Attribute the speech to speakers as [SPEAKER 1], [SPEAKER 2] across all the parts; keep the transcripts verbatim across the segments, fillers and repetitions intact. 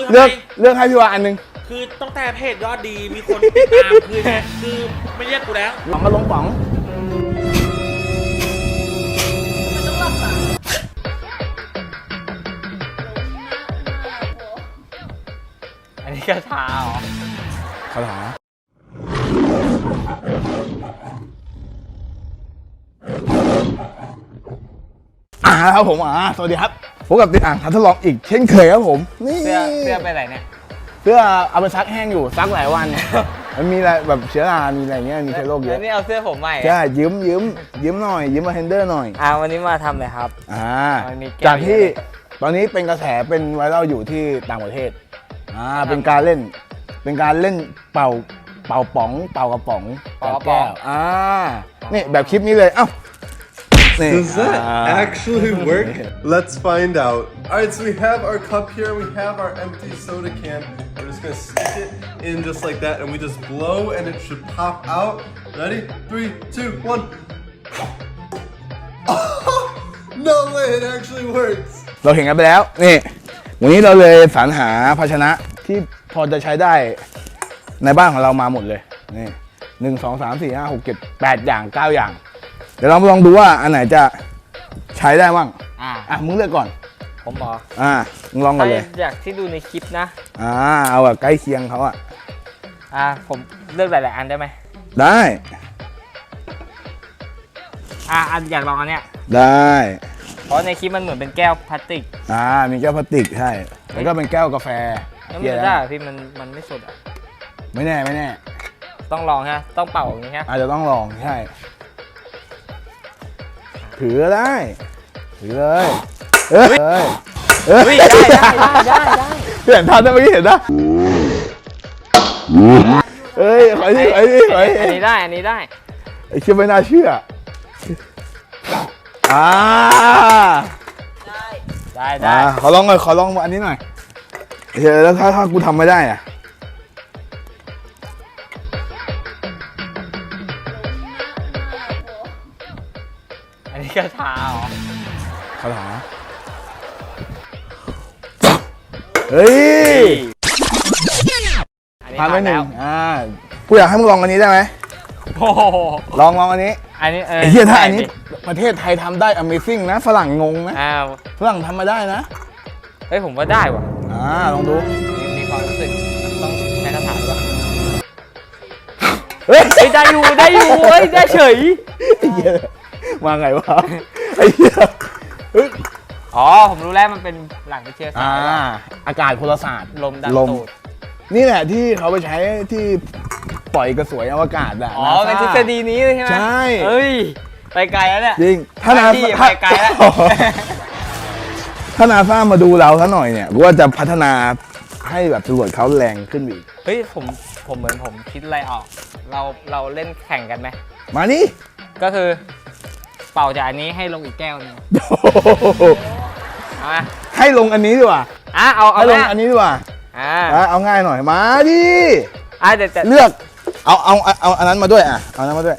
[SPEAKER 1] เลือกเลือกให้พี่วาอันนึง
[SPEAKER 2] คือตั้งแต่เพจยอดดีมีคนติดตามคือคือไม่เรียกกูแล้ว
[SPEAKER 1] ป๋องก็ลงป๋อง
[SPEAKER 3] อันนี้กระถาเหรอ
[SPEAKER 1] คาถาอ่าครับผมอ่าสวัสดีครับพบกับติดอ่างทันทดลองอีกเช่นเคยครับผมนี่
[SPEAKER 3] เสื้อเสื้อไปไหนเนี่ย
[SPEAKER 1] เสื้อเอาไปซักแห้งอยู่ซักหลายวันมันมีอะไรแบบเชื้อรามีอะไรเงี้ยมีเชื้อโรคเยอะ
[SPEAKER 3] นี่เอาเสื้อผมใหม่
[SPEAKER 1] ใช่ยืมยืมยืมหน่อยยืมมาเฮนเดอร์หน่อย
[SPEAKER 3] อ่าวันนี้มาทำอะไรครับ
[SPEAKER 1] อ่าจากที่ตอนนี้เป็นกระแสเป็นไวรัลอยู่ที่ต่างประเทศอ่าเป็นการเล่นเป็นการเล่นเป่าเป่าป๋องเป่ากระป๋องเป่าแก้วอ่านี่แบบคลิปนี้เลยเอ้า
[SPEAKER 4] Does that actually work? Let's find out. Alright, so we have our cup here, we have our empty soda can. We're just gonna stick it in just like that, and we just blow, and it should pop out. Ready? Three, two, one. No way, it actually works.
[SPEAKER 1] เราเห็นกันไปแล้วนี่วันนี้เราเลยสรรหาภาชนะที่พอจะใช้ได้ในบ้านของเรามาหมดเลยนี่หนึ่งสองสามสี่ห้าหกเจ็ดแปดอย่างเก้าอย่างเดี๋ยวเราลองดูว่าอันไหนจะใช้ได้บ้างอ่าอ่ะมึงเลือกก่อน
[SPEAKER 3] ผมบอก
[SPEAKER 1] อ่ามึงลองกันเลย
[SPEAKER 3] อยากที่ดูในคลิปนะ
[SPEAKER 1] อ่าเอาแบบใกล้เคียงเขาอ่ะ
[SPEAKER 3] อ่าผมเลือกหลายๆอันได้ไหม
[SPEAKER 1] ได้
[SPEAKER 3] อ่าอันอยากลองอันเนี้ย
[SPEAKER 1] ได้
[SPEAKER 3] เพราะในคลิปมันเหมือนเป็นแก้วพลาสติก
[SPEAKER 1] อ่ามีแก้วพลาสติกใช่แล้วก็เป็นแก้วกาแฟ
[SPEAKER 3] แล้วมันได้พี่มันมันไม่สุดอ่ะ
[SPEAKER 1] ไม่แน่ไม่แน่
[SPEAKER 3] ต้องลองฮะต้องเป่าอย่างนี้ฮะ
[SPEAKER 1] อาจจะต้องลองใช่ถือได้ถือเลยเอ้ย
[SPEAKER 3] เฮ้ยได้ได้ได้ได้ได้
[SPEAKER 1] เห็นทันได้เมื่อกี้เห็นนะเอ้ยขอที่ขอที่ขอที่
[SPEAKER 3] อันนี้ได้อันนี้ได้
[SPEAKER 1] ไอ้เชื่อไม่น่าเชื่ออ่า
[SPEAKER 3] ได้ได้ได้
[SPEAKER 1] ขอลองหน่อยขอลองอันนี้หน่อยเฮ้ยแล้วถ้าถ้ากูทำไม่ได้อ่ะ
[SPEAKER 3] อันนี้กระถาเหรอ
[SPEAKER 1] คาถาเฮ้ยทำไปหนึ่งอ่ากูอยากให้มึงลองอันนี้ได้ไหม
[SPEAKER 3] โอ้
[SPEAKER 1] ลองลองอันนี้
[SPEAKER 3] อันนี้เออ
[SPEAKER 1] เฮียถ้าอันนี้ประเทศไทยทำได้ Amazing นะฝรั่งงงนะ
[SPEAKER 3] อ้าว
[SPEAKER 1] ฝรั่งทำมาได้นะ
[SPEAKER 3] เฮ้ยผมว่าได้ว่ะ
[SPEAKER 1] อ่าลองดู
[SPEAKER 3] มีความรู้สึกต้องใช้คาถาด้วยเฮ้ยได้อยู่ได้อยู่เฮ้ยได้เฉย
[SPEAKER 1] มาไงวะไอ้เหี้ย
[SPEAKER 3] อ๋อผมรู้แล้วมันเป็นหลังวิทยาศาสตร์
[SPEAKER 1] อากาศพลศาสตร์
[SPEAKER 3] ลมดันตูด
[SPEAKER 1] นี่แหละที่เขาไปใช้ที่ปล่อยกระสวยอวกาศอ่ะ
[SPEAKER 3] อ๋อเป็นทฤษฎีนี้เลยใช่ไหม
[SPEAKER 1] ใช่
[SPEAKER 3] เฮ้ยไปไกลแล้วเนี่ย
[SPEAKER 1] จริงถ้านา
[SPEAKER 3] ไปไกลแล้ว
[SPEAKER 1] ถ้านาซามาดูเราซะหน่อยเนี่ยกูว่าจะพัฒนาให้แบบจรวดเขาแรงขึ้นอีก
[SPEAKER 3] เฮ้ยผมผมเหมือนผมคิดอะไรออกเราเราเล่นแข่งกันไหม
[SPEAKER 1] มานี่
[SPEAKER 3] ก็คือเป่าจากอันนี้ให้ลงอีกแก้วนึง
[SPEAKER 1] ให้ลงอันนี้ดีกว่า
[SPEAKER 3] อ่ะเอาเอา
[SPEAKER 1] ลงอันนี้ดีกว่า
[SPEAKER 3] อ่า
[SPEAKER 1] เอาง่ายหน่อยมาดิ
[SPEAKER 3] อ่ะเดี๋ยว
[SPEAKER 1] เลือกเอาเอาเอาอันนั้นมาด้วยอ่ะเอาอันนั้นมาด้วย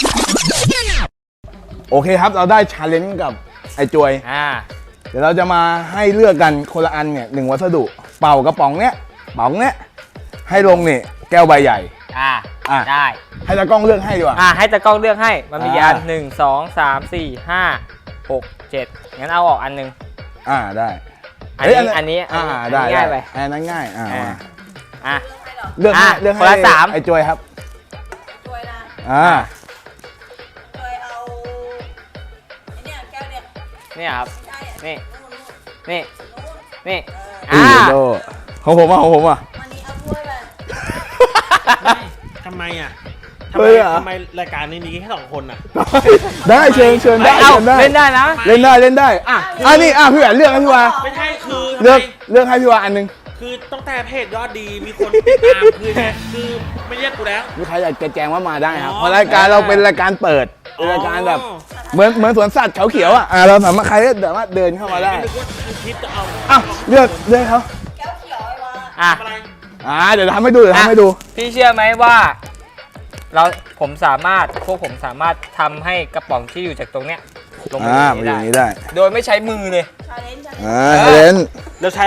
[SPEAKER 1] โอเคครับเราได้ชาเลนจ์กับไอ้จวย
[SPEAKER 3] อ่า
[SPEAKER 1] เดี๋ยวเราจะมาให้เลือกกันคนละอันเนี่ยหนึ่งวัสดุเป่ากระป๋องเนี้ยป๋องเนี้ยให้ลงเนี่ยแก้วใบใหญ่
[SPEAKER 3] อ่าอ่าได้
[SPEAKER 1] ให้ตากล้องเลือกให้ดีกว่า
[SPEAKER 3] อ่าให้ตากล้องเลือกให้มันมีอันหนึ่งสองสามสี่ห้าหกเจ็ดงั้นเอาออกอันหนึ่ง
[SPEAKER 1] อ่าได้
[SPEAKER 3] อันนี้อันนี้
[SPEAKER 1] อ่าได้ง่ายไปอันนั้นง่ายอ่า
[SPEAKER 3] อ่า
[SPEAKER 1] เลือกให้เลือกให้ไอ้จวยครับ
[SPEAKER 5] จวยนะ
[SPEAKER 1] อ่า
[SPEAKER 5] จวยเอาไอ้เนี่ยแก้วเนี่ย
[SPEAKER 3] นี่ครับนี่นี่
[SPEAKER 5] นี่
[SPEAKER 3] อ่า
[SPEAKER 1] ของผมอ่ะของผมอ่ะ
[SPEAKER 5] วันนี้เอาถ้วย
[SPEAKER 2] ไปทำไมอ่ะทำไมทำไมรายการนี้มีแค่สองคนอ่ะ
[SPEAKER 1] ได้เชิญเชิญได้
[SPEAKER 3] เล่นได้นะ
[SPEAKER 1] เล่นได้เล่นได้อ่ะอันนี้อ่ะพี่แหวนเลือกให้พี่วา
[SPEAKER 2] ไม่ใช่คือ
[SPEAKER 1] เลือกเลือกให้พี่วาอันนึง
[SPEAKER 2] คือตั้งแต่เพจยอดดีมีคนติดตามคือคือไม่เรียกกูแล้ว
[SPEAKER 1] มีใครอยากจะแจ้งว่ามาได้ครับเพราะรายการเราเป็นรายการเปิดรายการแบบเหมือนเหมือนสวนสัตว์เขาเขียวอ่ะเราสามารถใครก็สามารถเดินเข้ามาได้
[SPEAKER 2] คิดจะเอา
[SPEAKER 1] อ่ะเลือกเลือกเขา
[SPEAKER 5] แก้วเขียวไอ้วะ
[SPEAKER 3] อ่ะ
[SPEAKER 1] อ่าเดี๋ยวทำให้ดูเดี๋ยวทำให้ดู
[SPEAKER 3] พี่เชื่อไหมว่าเราผมสามารถพวกผมสามารถทำให้กระป๋องที่อยู่จากตรงเนี้ยลงมา
[SPEAKER 1] อย่างนี้ได้
[SPEAKER 3] โดยไม่ใช้มือเลย
[SPEAKER 5] ชาเลนจ์
[SPEAKER 1] อ่าชาเลนจ์
[SPEAKER 2] แล้วใช้อะไร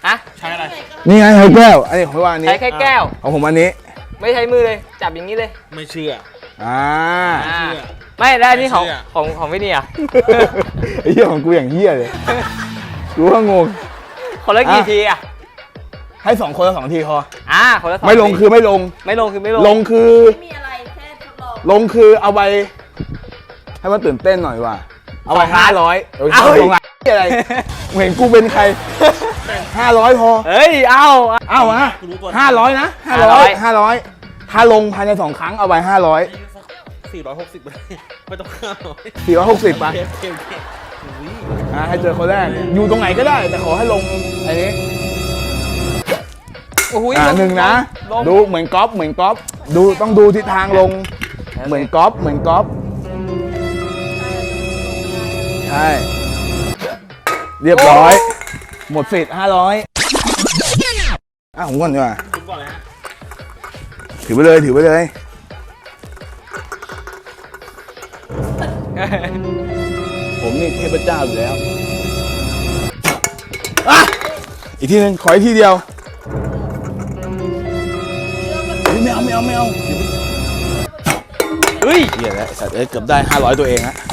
[SPEAKER 3] ฮะ
[SPEAKER 2] ใช้อะไร
[SPEAKER 1] นี่ไงแก้วอันนี้ของพี่วานอันนี้
[SPEAKER 3] ใช้แค่แก้ว
[SPEAKER 1] ของผมอันนี้
[SPEAKER 3] ไม่ใช้มือเลย จับอย่างนี้เลย
[SPEAKER 2] ไม่เชื่อ
[SPEAKER 1] อ่า
[SPEAKER 3] อ่า
[SPEAKER 2] เชื่อ
[SPEAKER 3] ไม่ได้อันนี่ของ
[SPEAKER 2] ไม่เชื่อ
[SPEAKER 3] ของของพี่นี่อ่ะ
[SPEAKER 1] ไอ้เหี้ยของกูอย่างเหี้ยเลยกูก็งง
[SPEAKER 3] คนละกี่
[SPEAKER 1] อ่ะ
[SPEAKER 3] ทีอ่ะ
[SPEAKER 1] ให้สองคนละสองทีพอ
[SPEAKER 3] อ่าคนละสอง
[SPEAKER 1] ไม่ลง
[SPEAKER 3] ที
[SPEAKER 1] คือไม่ลง
[SPEAKER 3] ไม่ลงคือไม่ลง
[SPEAKER 1] ลงคือ
[SPEAKER 5] ไม่มีอะไรแค่ทดลอง
[SPEAKER 1] ลงคือเอาไปให้มันตื่นเต้นหน่อยว่ะเอาไปห้าร้อยเออ
[SPEAKER 3] เอ้า
[SPEAKER 1] ลงอะไรมึงเห็นกูเป็นใครห้าร้อยพอ
[SPEAKER 3] เฮ้ย เอา
[SPEAKER 1] เอ้าวะ
[SPEAKER 2] กูรู้ตัว
[SPEAKER 1] ห้าร้อยนะห้าร้อยห้าร้อยถ้าลงภายในสองครั้งเอาไปห้าร้อย
[SPEAKER 2] สี่ร้อยหกสิบไม่ต้องข้าว
[SPEAKER 1] สี่ร้อยหกสิบไป
[SPEAKER 2] โอเคโอเคโอเคอุ้ย
[SPEAKER 1] อ่ะให้เจอคนแรกอยู่ตรงไหนก็ได้ แต่ขอให้ลงไอ้นี้
[SPEAKER 3] โอ้โห
[SPEAKER 1] อ่า
[SPEAKER 3] ลง
[SPEAKER 1] หนึ่งนะ
[SPEAKER 3] ลง
[SPEAKER 1] ดูเหมือนก๊อฟเหมือนก๊อฟดูต้องดูทิศทางลง เหมือนก๊อฟเหมือนก๊อฟใช่เรียบร้อย หมดสิทธิ์ห้าร้อยอ่ะผมก่อนดีกว่า
[SPEAKER 2] คุณก่อนเลยฮะ
[SPEAKER 1] ถือไปเลยถือไปเลยผมนี่เทพเจ้าอยู่แล้วอ่ะอีกทีหนึงขออีกทีเดียวเฮ้ยไม่เอาไม่เอาไม่เอา
[SPEAKER 3] เฮ้ย
[SPEAKER 1] เหี้ยแล้วไอ้สัตว์เอ้ยเกือบได้ห้าร้อยตัวเองฮะ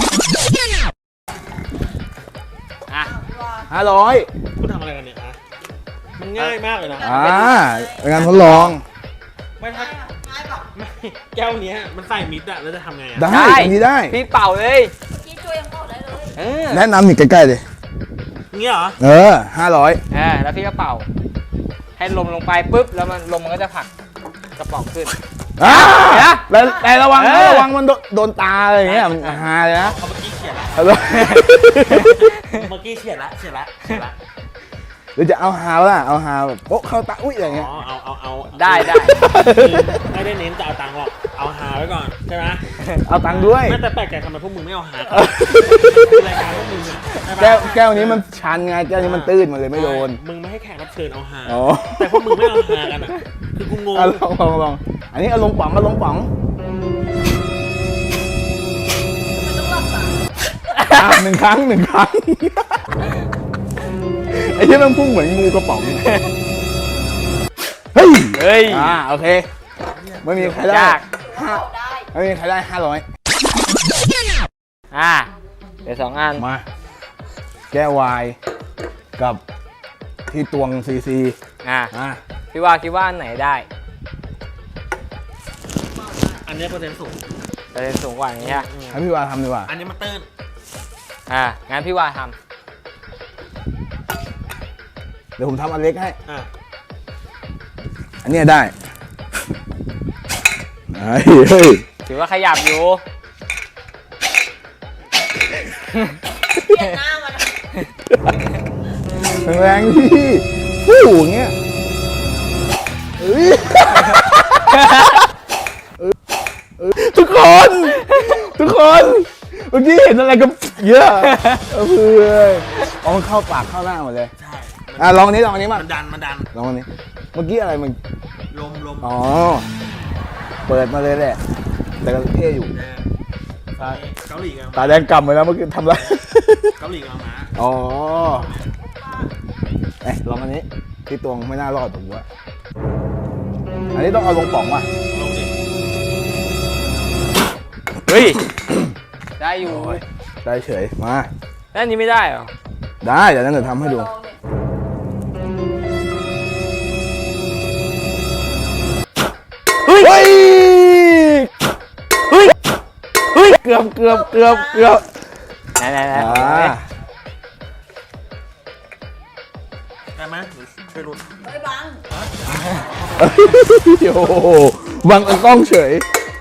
[SPEAKER 3] อ่ะ
[SPEAKER 1] ห้าร้อย
[SPEAKER 2] คุณทำอะไรกันเนี่ยฮะมันง่ายมากเลยนะ
[SPEAKER 1] อ่าเป็นงานทดลอง
[SPEAKER 2] ไม่ถ้า
[SPEAKER 5] ง่ายแบบ
[SPEAKER 2] ไม่แก้วเนี้ยมันใส่มิดอะแล้วจะทำไงอะ
[SPEAKER 1] ได้อันนี้ได้
[SPEAKER 3] พี่เป่าเลย
[SPEAKER 5] เมื่อกี้ช่วยยังเข้าได้เลย
[SPEAKER 3] เออ
[SPEAKER 1] แนะนำนี่ใกล้ๆเลย
[SPEAKER 2] เงี้ยเหรอ
[SPEAKER 1] เออห้าร้อย
[SPEAKER 3] อ่าแล้วพี่ก็เป่า ให้ลมลงไปปุ๊บ แล้วมันลมมันก็จะผลักกระป๋องขึ้น
[SPEAKER 1] อ่า
[SPEAKER 3] เดี๋ยว
[SPEAKER 1] แต่แต่ระวัง
[SPEAKER 3] เอ
[SPEAKER 1] นะ
[SPEAKER 3] อ
[SPEAKER 1] ระวังมันโดนโดนตาอะไรอย่างเงี้ยมันฮาเลยนะ
[SPEAKER 2] เขาเมื่อกี้เขียนละ
[SPEAKER 1] ฮัลโหล
[SPEAKER 2] เมื่อกี้เขียนละเขียนละเขียนละ
[SPEAKER 1] หรือจะเอาฮาล่ะเอาฮาแบบโอ๊ะเข้าตาอุ้ยอะไร
[SPEAKER 2] อ๋
[SPEAKER 1] เงี้ย
[SPEAKER 2] อเอาเอาเอา
[SPEAKER 3] ได้ได้
[SPEAKER 2] คือไม่ได้เน้นจะเอาตังค์หรอกเอาหาไว้ก่อนใช่ไหม
[SPEAKER 1] เอาตังค์ด้วย
[SPEAKER 2] ไม่แต่แปลกใจทำไมพวกมึงไม่เอาหาก่อนรายการพวกมึงอะใช่ปะ
[SPEAKER 1] แก้วแก้วนี้มันชันไงแก้วนี้มันตื้นมันเลยไม่โดน
[SPEAKER 2] มึงไม่ให้แขกรับเชิญเอาหา
[SPEAKER 1] อ๋อ
[SPEAKER 2] แต่พวกมึงไม่เอาหากันอ่ะคือกูงง
[SPEAKER 1] เอาลองลองลองอันนี้เอาลงป๋องเอาลงป๋อง
[SPEAKER 5] มันต้องหลับตา
[SPEAKER 1] อ่ะหนึ่งครั้งหนึ่งครั้งไอ้ที่มันพุ่งเหมือนงูกระป๋องเฮ้ย
[SPEAKER 3] เฮ้ย
[SPEAKER 1] อ่าโอเคไม่มีใครได้
[SPEAKER 3] ยาก
[SPEAKER 1] ห้า
[SPEAKER 5] เข้าได้
[SPEAKER 1] ไม่มีใครได้ห้าร้อย
[SPEAKER 3] อ่าเดี๋ยวสองอัน
[SPEAKER 1] มาแก้ววายกับที่ตวงซีซี
[SPEAKER 3] อ่า
[SPEAKER 1] อ่ะ
[SPEAKER 3] พี่ว่าคิดว่าอันไหนได้
[SPEAKER 2] อันนี้เปอร์เซ็นต์สูง
[SPEAKER 3] เปอร์เซ็นต์สูงกว่านี้ฮะ
[SPEAKER 1] ให้พี่วาทำดีกว่า
[SPEAKER 2] อันนี้มันตื้น
[SPEAKER 3] อ่า งั้นพี่ว่าท
[SPEAKER 1] เดี๋ยวผมทำอันเล็กให้
[SPEAKER 2] อ่ะ
[SPEAKER 1] อันเนี้ยได้เฮ้ยเฮ้ย
[SPEAKER 3] ำถือว่าขยับอยู่
[SPEAKER 5] เปลี่ยนหน้ามัน
[SPEAKER 1] แรงๆพี่ฟู่อย่างเงี้ยเฮ้ยเออเออทุกคน ทุกคนเมื่อกี้เห็นอะไรกันเยอะเออเพื่อนเอามันเข้าปากเข้าหน้าหมดเลย
[SPEAKER 2] ใช่
[SPEAKER 1] อ่ะลองอันนี้ลองอันนี้มา
[SPEAKER 2] มันดันมันดัน
[SPEAKER 1] ลองอันนี้เมื่อกี้อะไรมัน
[SPEAKER 2] ลมลม
[SPEAKER 1] อ๋อเปิดมาเลยแหละแต่ก็เท่อยู่
[SPEAKER 2] เออเกาหลีกัน
[SPEAKER 1] ตาแดงกำไปแล้วเมื่อกี้ทำไร
[SPEAKER 2] เกาหลีกันมา
[SPEAKER 1] อ๋อเอ๊ะลองอันนี้ที่ตวงไม่น่ารอดผมว่าอันนี้ต้องเอาลงป๋องว่ะ
[SPEAKER 2] ลงดิ
[SPEAKER 3] เฮ้ย ได้อยู่
[SPEAKER 1] โอ้ยได้เฉยมา
[SPEAKER 3] แล้วอันนี้ไม่ได้เหรอ
[SPEAKER 1] ได้เดี๋ยวนั้นเดี๋ยวทำให้ดู
[SPEAKER 5] ลองเนี่ย
[SPEAKER 3] เฮ้ย
[SPEAKER 1] เฮ้ย
[SPEAKER 3] เฮ้ย เฮ้ย
[SPEAKER 1] เกือบเกือบเกือบเกือบ
[SPEAKER 3] ไหนไหนไหน
[SPEAKER 1] อ่า
[SPEAKER 2] ได้ไหมหรือช่วยรุน
[SPEAKER 5] เฮ้ยบัง
[SPEAKER 1] โอ้โหบังกล้องเฉย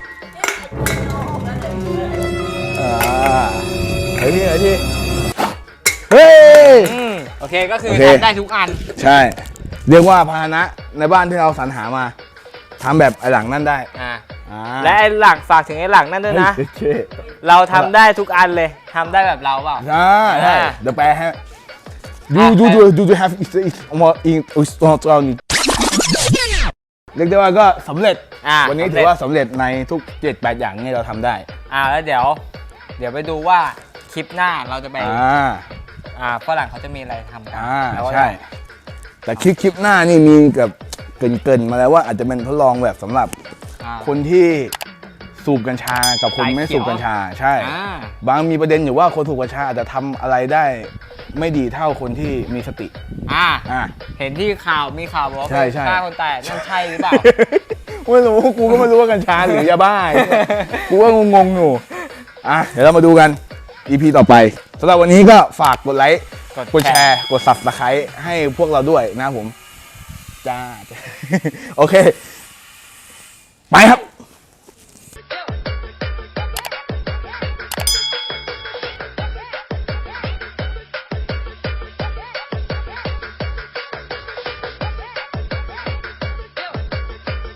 [SPEAKER 5] เนี่ยไอ้ตัวนี้เอาออกได้เลย
[SPEAKER 1] อ่าไอ้ที่ไอ้ที่เฮ้ย
[SPEAKER 3] อืมโอเค ก็คือ
[SPEAKER 1] โอเค
[SPEAKER 3] ทำได้ทุกอัน
[SPEAKER 1] ใช่ เรียกว่าพาหนะในบ้านที่เราสรรหามาทำแบบไอ้หลังนั่นได้
[SPEAKER 3] อ่า
[SPEAKER 1] อ่า
[SPEAKER 3] และไอ้หลังฝากถึงไอ้หลังนั่นด้วยนะ
[SPEAKER 1] เฮ้ยเท่
[SPEAKER 3] เราทำได้ทุกอันเลย ทำได้แบบเราเปล่า
[SPEAKER 1] ใช่ใช่
[SPEAKER 3] อ่า
[SPEAKER 1] เดี๋ยวแปลให้ดู
[SPEAKER 3] อ่ะ
[SPEAKER 1] ดู
[SPEAKER 3] แปล
[SPEAKER 1] ดูดูดู have it it มาอิงอุสตอตอนเรียกได้ว่าก็สำเร็จ
[SPEAKER 3] อ่า
[SPEAKER 1] วันนี้
[SPEAKER 3] สำ
[SPEAKER 1] ถื
[SPEAKER 3] เร็
[SPEAKER 1] อ
[SPEAKER 3] จ
[SPEAKER 1] ว่าสำเร็จในทุกเจ็ดแปดอย่างนี้เราทำได้
[SPEAKER 3] อ่าแล้วเดี๋ยว เดี๋ยวไปดูว่าคลิปหน้าเราจะไป
[SPEAKER 1] อ่า
[SPEAKER 3] อ่าฝรั่งเขาจะมีอะไรทำกั
[SPEAKER 1] อ่า
[SPEAKER 3] แล้วก็
[SPEAKER 1] ใช่แต่คลิปคลิปหน้านี่มีกับเกรินๆมาแล้วว่าอาจจะเป็นทดลองแบบสำหรับ
[SPEAKER 3] อ่า
[SPEAKER 1] คนที่สูบกัญชากับคน
[SPEAKER 3] สาย
[SPEAKER 1] ไม่
[SPEAKER 3] เขี
[SPEAKER 1] สู
[SPEAKER 3] ยว
[SPEAKER 1] บกัญชาใช่
[SPEAKER 3] อ่า
[SPEAKER 1] บางมีประเด็นอยู่ว่าคนสูบกัญชาอาจจะทำอะไรได้ไม่ดีเท่าคนที่มีสติ
[SPEAKER 3] อ่า
[SPEAKER 1] อ่ะ
[SPEAKER 3] เห็นที่ข่าวมีข่าวบอกว่า
[SPEAKER 1] ใช่
[SPEAKER 3] ไป
[SPEAKER 1] ใช่
[SPEAKER 3] ฆ่าคนตายนั่นใช่หรือเปล่า
[SPEAKER 1] ไม่รู้กูก็ไม่รู้ว่ากัญชาหรือยาบ้า กูก็งงๆอยู่อ่ะเดี๋ยวเรามาดูกัน อี พี ต่อไปสำหรับวันนี้ก็ฝากกดไลค์ กดแชร์ กด Subscribe ให้พวกเราด้วยนะครับผม จ้า โอเค ไปครับ